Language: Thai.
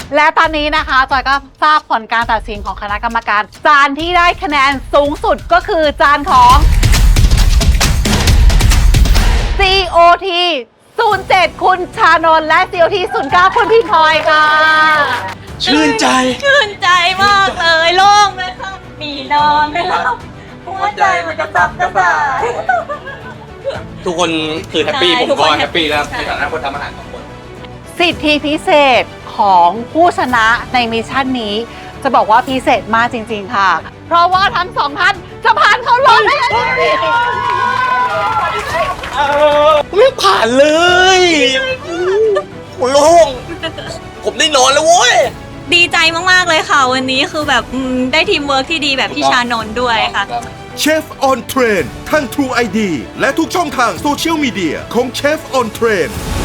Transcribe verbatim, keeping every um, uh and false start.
และตอนนี้นะคะจอยก็ทราบผลการตัดสินของคณะกรรมการจานที่ได้คะแนนสูงสุดก็คือจานของ ซี โอ ที ศูนย์เจ็ด คุณชานนท์และ ซี โอ ที ศูนย์เก้า คุณพี่พลอยค่ะชื่นใจชื่นใจมากเลยโล่งเลยค่ะมีนอนไม่หลับหัวใจมันกระสับกระส่ายทุกคนคือแฮปปี้ใช่ผมทุกคก็นแฮปปี้แล้วใช่ในฐานะคนทำอาหารสองคนสิทธิพิเศษของผู้ชนะในมิชชั่นนี้ จะบอกว่าพิเศษมากจริงๆค่ะ เพราะว่าทั้งสองท่านจะผ่านเข้ารอบได้เลยไม่ผ่านเลยโล่งผมได้นอนแล้วโว้ยดีใจมากๆเลยค่ะ วันนี้คือแบบอืมได้ทีมเวิร์กที่ดีแบบพี่ชานนท์ด้วยค่ะเชฟออนเทรนทั้ง True ไอ ดี และทุกช่องทางโซเชียลมีเดียของเชฟออนเทรน